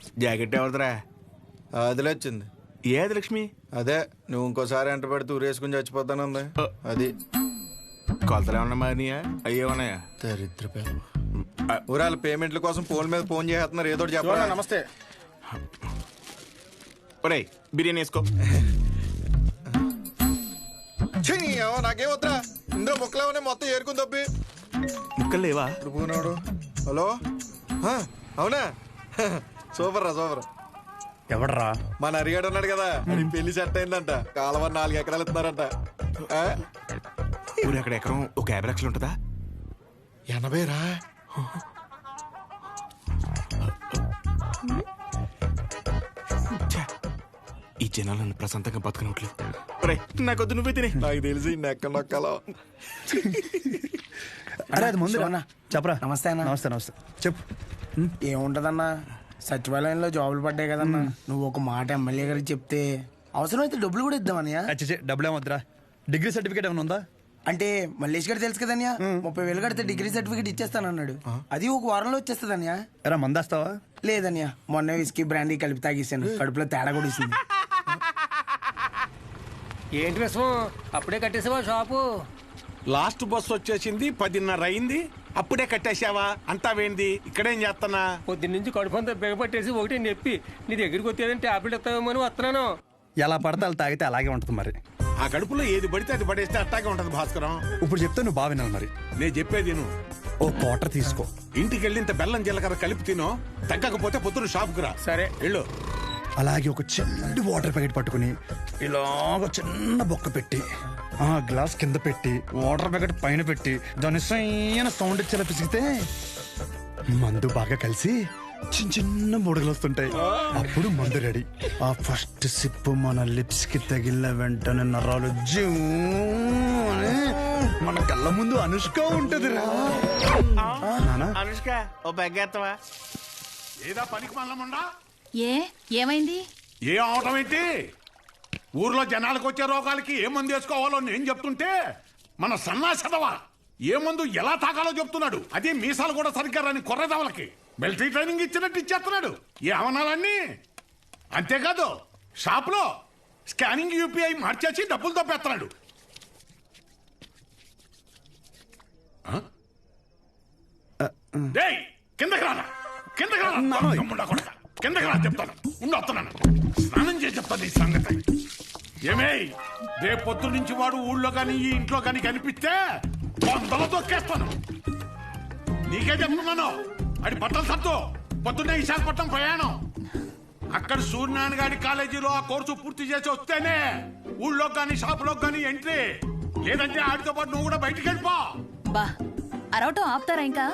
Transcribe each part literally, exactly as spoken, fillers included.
Jacket ఎవరిదిరా? అదిలే వచ్చింది. ఏది లక్ష్మి? అదే నువ్వు ఇంకోసారి ఎంట పెడితే ఊరేసుకుని చచ్చిపోతానుంది. అది కొలతలు ఏమన్నా మారినాయా? అయ్యే ఉన్నాయా? దరిద్ర ఊరాల పేమెంట్ల కోసం ఫోన్ మీద ఫోన్ చేస్తున్నారు. ఏదో చెప్పరా? నమస్తే. ఒరేయ్ బిర్యానీ వేసుకో. నాకేం వద్దా, ఇందులో ముక్కలేమనే మొత్తం ఏరుకుని తప్పి. ముక్కలు లేవా? పోనాడు. హలో, అవునా? సూపర్ రా సూపర్. ఎవడరా? మన అరిగాడు ఉన్నాడు కదా, అది పెళ్లి సెట్ అయిందంట. కాలువ నాలుగు ఎకరాలు ఇస్తున్నారంట. ఊరు అక్కడ ఎకరం ఒక యాభై లక్షలు ఉంటుందా? ఎనభై రా. ఈ జనాలు నన్ను ప్రశాంతంగా బతకనట్లు. నాకొద్దు, నువ్వే తినే. నాకు తెలిసి నెక్క నొక్కలో. అరే అది ముందు చెప్పరా. నమస్తే అన్న. నమస్తే నమస్తే చెప్పు. ఏముంటదన్నా, సచివాలయంలో జాబులు పడ్డాయి కదన్నా. నువ్వు ఒక మాట ఎమ్మెల్యే గారికి చెప్తే అవసరమైతే డబ్బులు కూడా ఇద్దామన్నయ్య. అచ్చే డబ్బులు ఏమొద్దురా. డిగ్రీ సర్టిఫికేట్ ఏమైనా ఉందా? అంటే మల్లేష్ గారు తెలుసు కదన్యా, ముప్పై వేలు కడితే డిగ్రీ సర్టిఫికేట్ ఇచ్చేస్తానన్నాడు. అది ఒక వారంలో వచ్చేస్తుందన్యా. ఎరా మందేస్తావా? లేదన్యా, మొన్న విస్కీ బ్రాండీ కలిపి తాగేసాను. కడుపులో తేడా కూడా ఇస్తుంది. ఏంటి విషయం? అప్పుడే కట్టేసావా షాపు? లాస్ట్ బస్ వచ్చేసింది, పదిన్నర అయింది, అప్పుడే కట్టేసావా? అంతా వేంది, ఇక్కడేం చేస్తానా? పొద్దున్న నుంచి కడుపు అంతా బిగపట్టేసి ఒకటి నొప్పి. నీ దగ్గరికి వచ్చేదని టాబ్లెట్ ఇస్తావేమో అని వస్తున్నాను. ఎలా పడితే అలా తాగితే అలాగే ఉంటుంది మరి. ఆ కడుపులో ఏది పడితే అది పడేస్తే అట్టాగే ఉంటది భాస్కరం. ఇప్పుడు చెప్తే నువ్వు బాగా వినాలి మరి. నేను చెప్పేది నువ్వు ఓ క్వార్టర్ తీసుకో. ఇంటికి వెళ్ళి ఇంత బెల్లం జీలకర్ర కలిపి తినో. తగ్గకపోతే పొద్దున షాప్కి రా. సరే వెళ్ళు. అలాగే ఒక చిన్న వాటర్ ప్యాకెట్ పట్టుకుని ఇలాగ చిన్న బొక్క పెట్టి ఆ గ్లాస్ కింద పెట్టి వాటర్ ప్యాకెట్ పైన పెట్టి దాని సైన సౌండ్ ఇచ్చేలా పిసిగితే మందు బాగా కలిసి చిన్న చిన్న బుడగలు వస్తుంటాయి. అప్పుడు మందు రెడీ. ఆ ఫస్ట్ సిప్ మన లిప్స్ కి తగిలిన వెంటనే నరాలు జూ అని మన కళ్ళ ముందు అనుష్క ఉంటది రా. అనుష్క ఓ బెగ్గేత్తవా? ఏదా పనికి మల్లముండా? ఏ ఏమైంది? ఏ అవటం ఏంటి? ఊర్లో జనాలకు వచ్చే రోగాలకి ఏ మందు వేసుకోవాలో నేను చెప్తుంటే మన సన్నాసదవా ఏ మందు ఎలా తాగాలో చెప్తున్నాడు. అదే మీసాలు కూడా సరిగ్గా రాని కొర్రదవలకి మిలిటరీ ట్రైనింగ్ ఇచ్చినట్టు ఇచ్చేస్తున్నాడు. ఏ అవనాలన్నీ అంతేకాదు, షాప్లో స్కానింగ్ యూపీఐ మార్చేసి డబ్బులు తప్పేస్తున్నాడు. కిందకి రానా, కిందకి రానా, కిందకి రా చెప్తాను. ఉండి వస్తున్నాను, స్నానం చేసి చెప్తాను ఈ సంగతి. ఏమే రేపు పొద్దు నుంచి వాడు ఊళ్ళో కానీ ఈ ఇంట్లో కానీ కనిపిస్తే వందలు తొక్కేస్తాను. నీకే చెప్తున్నాను. అది బట్టలు సత్తు పొద్దున్నే విశాఖపట్నం ప్రయాణం. అక్కడ సూర్యనారాయణ గారి కాలేజీలో ఆ కోర్సు పూర్తి చేసి వస్తేనే ఊళ్ళో కానీ షాపులో కానీ ఎంట్రీ. లేదంటే ఆడితో పాటు నువ్వు కూడా బయటికి వెళ్ళిపో. బా అరవటం ఆపుతారా ఇంకా?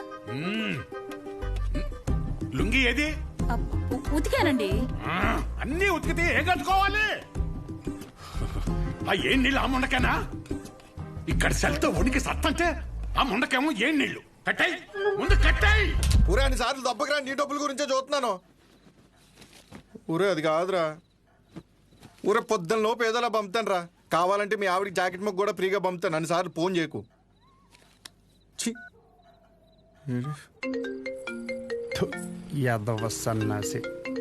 లుంగి ఏది? ఉతికానండి. అన్నీ ఉతికితే ఏం కట్టుకోవాలి? ఆ ఏం నీళ్ళు ఆ ముండకేనా? ఇక్కడ సెల్తో ఉనికి సత్తంటే ఆ ముండకేమో ఏం నీళ్లు? కట్టాయి ముందు కట్టాయి. ఊరే అన్ని సార్లు దెబ్బకిరా, నీ డబ్బుల గురించే చూస్తున్నాను. ఊరే అది కాదురా, ఊరే పొద్దున్న లోపు ఏదోలా పంపుతాను రా. కావాలంటే మీ ఆవిడకి జాకెట్ మొక్క కూడా ఫ్రీగా పంపుతాను. అన్ని సార్లు ఫోన్ చేయకు. యాదవ సన్నాసి.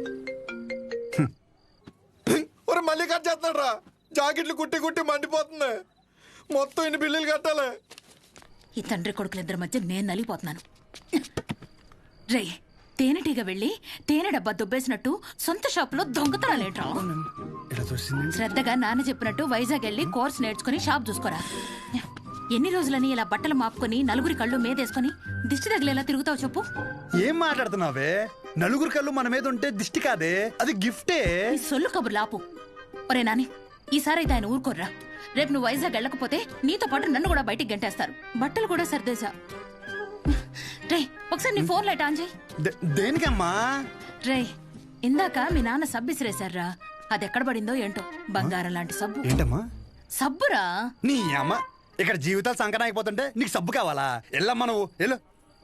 ఒరే మళ్ళీ కట్ చేస్తున్నాడు రా. జాకెట్లు కుట్టి కుట్టి మండిపోతుంది. మొత్తం ఇన్ని బిల్లులు కట్టాలి. ఈ తండ్రి కొడుకులిద్దరి మధ్య నేను నలిగిపోతున్నాను. రే తేనెటీగ వెళ్ళి తేనె డబ్బా దుబ్బేసినట్టు సొంత షాపులో దొంగతనాలేంట్రా? శ్రద్ధగా నాన్న చెప్పినట్టు వైజాగ్ వెళ్ళి కోర్స్ నేర్చుకుని షాప్ చూసుకోరా. ఎన్ని రోజులని ఇలా బట్టలు మాపుకొని నలుగురి కళ్ళు మీదేసుకొని దిష్టి తగిలేలా తిరుగుతావు చెప్పు? ఏం మాట్లాడుతున్నావే? నలుగురి కళ్ళు మన మీద ఉంటే దిష్టి కాదే, అది గిఫ్టే. ఈ సొల్లు కబుర్లు ఆపు. ఒరే నాని, ఈసారి అయితే ఆయన ఊరుకోర్రా. రేపు నువ్వు వైజాగ్ వెళ్ళకపోతే నీతో పాటు నన్ను కూడా బయటికి గంటేస్తారు. బట్టలు కూడా సర్దేశా. రే ఒకసారి నీ ఫోన్ లైట్ ఆన్ చేయి. దేనికమ్మా? రే ఇందాక మీ నాన్న సబ్బు ఇసిరేశారా, అది ఎక్కడ పడిందో ఏంటో. బంగారం లాంటి సబ్బు. ఏంటమ్మా? సబ్బురా. నీ అమ్మ, ఇక్కడ జీవితాలు సంకటం అయిపోతుంటే నీకు సబ్బు కావాలా? వెళ్ళమ్మా నువ్వు వెళ్ళు.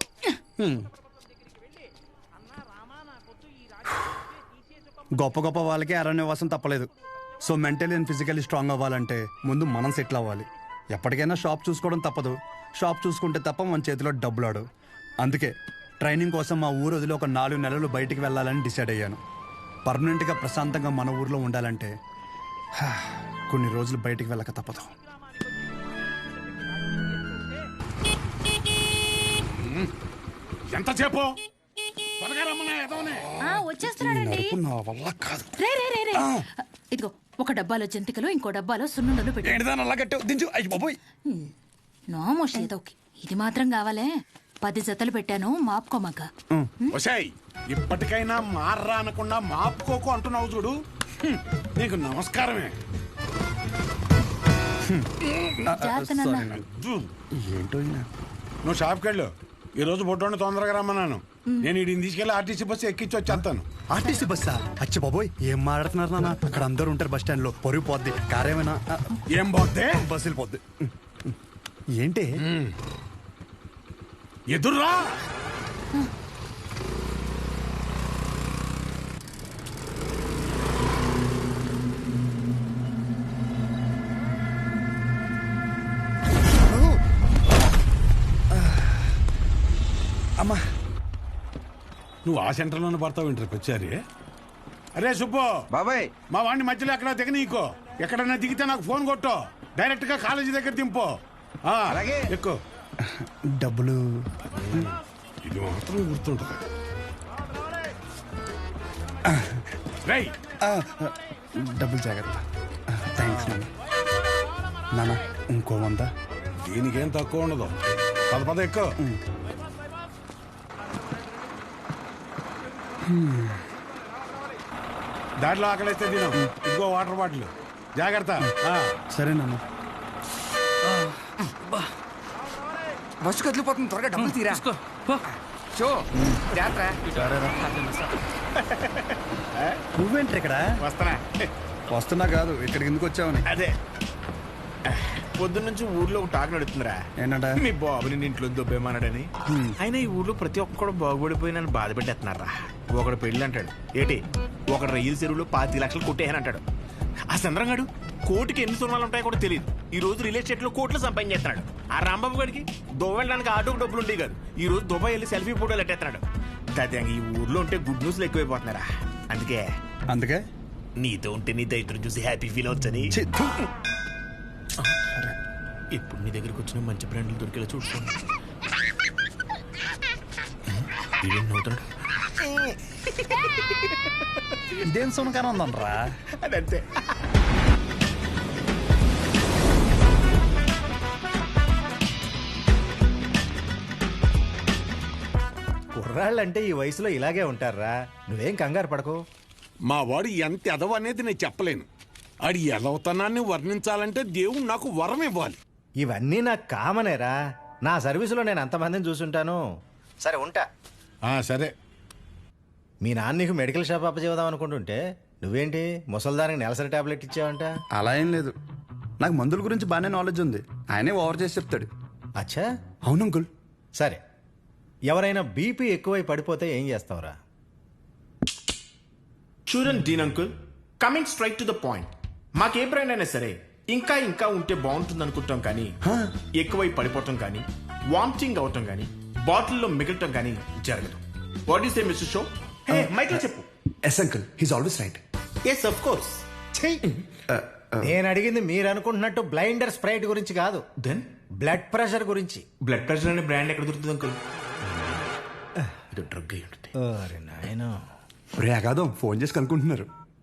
గొప్ప గొప్ప వాళ్ళకి అరణ్యవాసం తప్పలేదు. So mentally and physically strong అవ్వాలంటే ముందు మనం సెటిల్ అవ్వాలి. ఎప్పటికైనా షాప్ చూసుకోవడం తప్పదు. షాప్ చూసుకుంటే తప్ప మన చేతిలో డబ్బులాడు. అందుకే ట్రైనింగ్ కోసం మా ఊరు వదిలి ఒక నాలుగు నెలలు బయటికి వెళ్ళాలని డిసైడ్ అయ్యాను. పర్మనెంట్గా ప్రశాంతంగా మన ఊర్లో ఉండాలంటే హా, కొన్ని రోజులు బయటికి వెళ్ళక తప్పదు. ఎంతసేపు త్వరగా రమ్మన్నా ఎదవనే. ఆ, వచ్చేస్తున్నాడండి. నడుపు నా వల్ల కాదు. రే రే రే రే ఇదిగో ఒక డబ్బాలో జంతికలు ఇంకో డబ్బాలో సున్నుండలు పెట్టు. ఏంటిదాని అలా కట్టావు? దించు. అయ్యి బాబోయ్. నోమోష్ ఏదోకి ఇది మాత్రం కావాలే. పది జతలు పెట్టాను మాపుకోమాక. ఒసేయ్ ఇప్పటికైనా మార్రా అనకుండా మాపుకోకు అంటున్నావు చూడు. హ్మ్, నీకు నమస్కారమే. జాగ్రత్త నాన్న. అజ్జు, ఏంటో ఈయన. నువ్వు షాప్కి వెళ్ళు. ఈ రోజు బొడ్డోని తొందరగా రమ్మన్నాను. నేను వీడిని తీసుకెళ్ళి ఆర్టీసీ బస్సు ఎక్కించి వచ్చేస్తాను. ఆర్టీసీ బస్సా? అచ్చి బాబోయ్, ఏం మాట్లాడుతున్నారు నాన్న? అక్కడ అందరూ ఉంటారు బస్ స్టాండ్ లో. పొరుగు పోద్ది. కారేమైనా ఏం పోతే బస్సు వెళ్ళిపోద్ది. ఏంటి ఎదుర్రా. అమ్మా, నువ్వు ఆ సెంటర్లోనే పడతావు ఇంటర్కి వచ్చారి. అరే సుబ్బు బాబాయ్, మా వాడిని మధ్యలో ఎక్కడ దిగ నీకో. ఎక్కడన్నా దిగితే నాకు ఫోన్ కొట్టు. డైరెక్ట్ గా కాలేజీ దగ్గర దింపు. ఆ, అలాగే. ఎక్కువ డబ్బులు ఇది మాత్రం గుర్తుంటుంది. రై ఆ, డబ్బులు జాగ్రత్త. థ్యాంక్స్ నాన్న. నాన్న ఇంకో వంద. దీనికేం తక్కువ ఉండదు. పద పద ఎక్కువ. దాంట్లో ఆకలిస్తే తిను. ఇదిగో వాటర్ బాటిల్. జాగ్రత్త. ఆ. సరే నాన్న. బస్సు కదిలిపోతుంది, త్వరగా డబ్బులు తీరా. షో జాగ్రత్త. నువ్వేంటి ఇక్కడ? వస్తానా? వస్తున్నా కాదు, ఇక్కడికి ఎందుకు వచ్చావని. అదే పొద్దున్నుంచి ఊర్లో ఒక టాక్ నడుతుందిరా. ఏంటంట? మీ బాబుని నీ ఇంట్లో దొబ్బేమన్నాడని. అయినా ఈ ఊర్లో ప్రతి ఒక్కడు బాగుపడిపోయి నన్ను బాధ పెట్టేస్తున్నారా. ఒకడు పెళ్ళి అంటాడు, ఏటి ఒకడు రైలు చెరువులో పాతి లక్షలు కొట్టేయని అంటాడు. ఆ చంద్రంగాడు కోటికి ఎన్ని సున్నాలు ఉంటాయో కూడా తెలియదు. ఈ రోజు రియల్ ఎస్టేట్ లో కోట్లు సంపాదించేస్తున్నాడు. ఆ రాంబాబు గడికి దుబాయ్ వెళ్ళడానికి ఆటోకి డబ్బులు ఉండేవి కాదు. ఈ రోజు దుబాయ్ వెళ్ళి సెల్ఫీ ఫోటోలు పెట్టేస్తున్నాడు. దాదాపు ఈ ఊర్లో ఉంటే గుడ్ న్యూస్లు ఎక్కువైపోతున్నారా. అందుకే అందుకే నీతో ఉంటే నీ దైత్రం చూసి హ్యాపీ ఫీల్ అవచ్చని. ఛీ, థు. ఇప్పుడు నీ దగ్గరకు వచ్చిన మంచి బ్రాండ్లు దొరికేలా చూసుకోండి. ఇదేం సునకారం ఉందనరా? అదంతే. కుర్రాళ్ళంటే ఈ వయసులో ఇలాగే ఉంటారా. నువ్వేం కంగారు పడకు. మా వాడు ఎంత ఎదవ అనేది నేను చెప్పలేను. ఆడి ఎదవతనాన్ని వర్ణించాలంటే దేవుడు నాకు వరం ఇవ్వాలి. ఇవన్నీ నాకు కామనేరా. నా సర్వీసులో నేను అంతమందిని చూసుంటాను. సరే ఉంటా. ఆ సరే. మీ నాన్న నీకు మెడికల్ షాప్ అప్పచేద్దాం అనుకుంటుంటే నువ్వేంటి ముసల్దానికి నెలసరి టాబ్లెట్ ఇచ్చావంట? అలా ఏం లేదు. నాకు మందుల గురించి బాగానే నాలెడ్జ్ ఉంది. ఆయనే ఓవర్ చేసి చెప్తాడు. అచ్చా, అవును అంకుల్. సరే. ఎవరైనా బీపీ ఎక్కువై పడిపోతే ఏం చేస్తావురా? చూడండి Dean uncle, coming straight to the point. మాకే బ్రాండ్ అయినా సరే ఇంకా ఇంకా ఉంటే బాగుంటుంది అనుకుంటాం, కానీ ఎక్కువై పడిపోవటం కానీ వామిటింగ్ అవటం కానీ బాటిల్లో మిగలటం కానీ జరగదు. What is a mister show? Mic లో చెప్పు. Yes uncle, he's always right. Yes of course. నేను అడిగింది మీరు అనుకుంటున్నట్టు బ్లైండర్ స్ప్రైట్ గురించి కాదు, దెన్ బ్లడ్ ప్రెషర్ గురించి. బ్లడ్ ప్రెషర్ అనే బ్రాండ్ ఎక్కడ దొరుకుతుంది అంకుల్? ఇది డ్రగ్ అయి ఉంటుంది. అరే నాయనా, రే అగాదం ఫోన్ చేసి కనుక్కుంటున్నారు.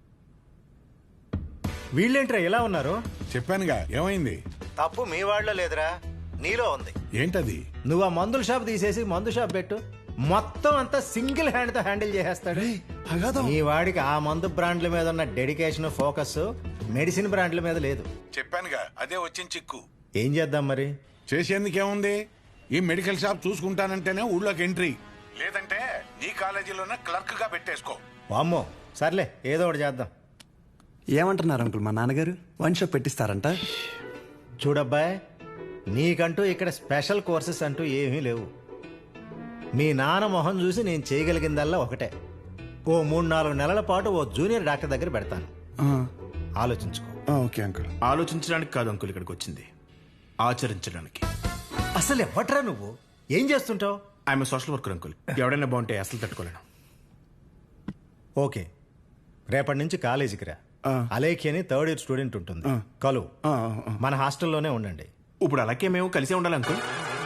వీళ్ళేంట్రా ఇలా ఉన్నారు? చెప్పానుగా ఏమైంది. తప్పు మీ వాళ్ళలో లేదురా, నీలో ఉంది. ఏంటది? నువ్వు ఆ మందుల షాప్ తీసేసి మందు షాప్ పెట్టు, మొత్తం అంతా సింగిల్ హ్యాండ్ తో హ్యాండిల్ చేసేస్తాడు. అగాదం ఈ వాడికి ఆ మందు బ్రాండ్ల మీద ఉన్న డెడికేషన్, ఫోకస్ మెడిసిన్ బ్రాండ్ల మీద లేదు. చెప్పానుగా అదే వచ్చిన చిక్కు. ఏం చేద్దాం మరి? చేసేందుకేముంది, ఈ మెడికల్ షాప్ చూసుకుంటానంటేనే ఊళ్ళోకి ఎంట్రీ, లేదంటే నీ కాలేజీలోనే క్లర్క్ గా పెట్టేసుకో. వామ్మో, సర్లే ఏదో ఒకటి చేద్దాం. ఏమంటున్నారు అంకుల్? మా నాన్నగారు వన్ షాప్ పెట్టిస్తారంట. చూడబ్బాయ్, నీకంటూ ఇక్కడ స్పెషల్ కోర్సెస్ అంటూ ఏమీ లేవు. మీ నాన్న మొహం చూసి నేను చేయగలిగిందల్లా ఒకటే, ఓ మూడు నాలుగు నెలల పాటు ఓ జూనియర్ డాక్టర్ దగ్గర పెడతాను. ఆలోచించుకో. Okay uncle. ఆలోచించడానికి కాదు అంకుల్ ఇక్కడికి వచ్చింది, ఆచరించడానికి. అసలు ఎవట్రా నువ్వు? ఏం చేస్తుంటావు? I'm social worker uncle. ఎవడైనా బాగుంటే అసలు తట్టుకోలేను. ఓకే, రేపటి నుంచి కాలేజీకి రా. ఆ. అలేఖి అని థర్డ్ ఇయర్ స్టూడెంట్ ఉంటుంది, కలువు. ఆ, ఆ. మన హాస్టల్లోనే ఉండండి. ఇప్పుడు అలాగే మేము కలిసే ఉండాలి అంకుల్.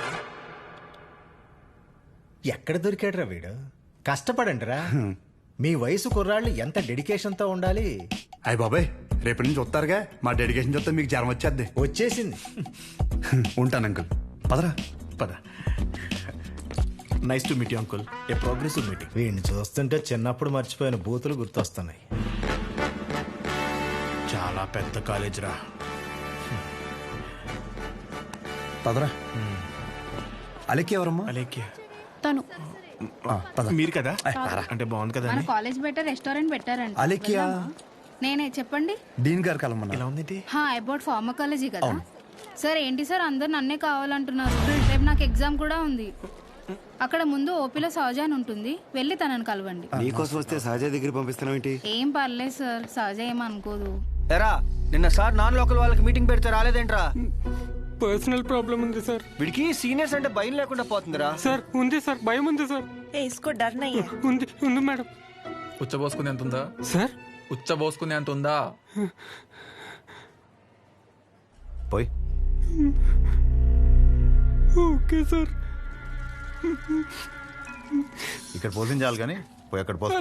ఎక్కడ దొరికాడురా వీడు? కష్టపడండిరా. మీ వయసు కుర్రాళ్ళు ఎంత డెడికేషన్తో ఉండాలి. అయ్య బాబాయ్, రేపటి నుంచి వస్తారుగా, మా డెడికేషన్ చూస్తే మీకు జ్వరం వచ్చేద్ది. వచ్చేసింది. ఉంటాను అంకుల్. పదరా. పద. Nice to meet you uncle. A progressive meeting. వీడిని చూస్తుంటే చిన్నప్పుడు మర్చిపోయిన బూతులు గుర్తొస్తున్నాయి. చాలా పెద్ద కాలేజ్ రా. పదరా. అలెక్కి ఎవరమ్మా? అలేఖ్య తను ఆ, పద. మీరు కదా? అంటే బాగుంది కదా మన అని. కాలేజ్ బయట రెస్టారెంట్ పెట్టారంట. అలెక్కియా? వెళ్దామా? నేనే చెప్పండి. డీన్ గారు కలమన్నా. ఎలా ఉంది? హా అబౌట్ ఫార్మకాలజీ కదా సార్. ఏంటి సార్ అందరు నన్నే కావాలంటున్నారు? రేపు నాకు ఎగ్జామ్ కూడా ఉంది. అక్కడ ముందు ఓపీలో సహజ అని ఉంటుంది, వెళ్ళి తనని కలవండి. నీకోసం వస్తే సహజ దగ్గర పంపిస్తున్నావు ఏంటి? ఏం పర్లేదు సార్, సహజ ఏమనుకోదు. ఎరా నిన్న సార్ నాన్ లోకల్ వాళ్ళకి మీటింగ్ పెడితే రాలేదేంట్రా? పర్సనల్ ప్రాబ్లం ఉంది సార్. వీడికి సీనియర్స్ అంటే భయం లేకుండా పోతుందిరా. సార్ ఉంది సార్, భయం ఉంది సార్. इसको डर नहीं है। ఉంది ఉంది మేడం. ఉచ్చబోసుకునే అంత ఉందా సార్? ఉచ్చబోసుకునే అంత ఉందా? పోయి ఓకే సార్. ఇక్కడ పోసించాలి కానీ పోయి అక్కడ పోస్తా.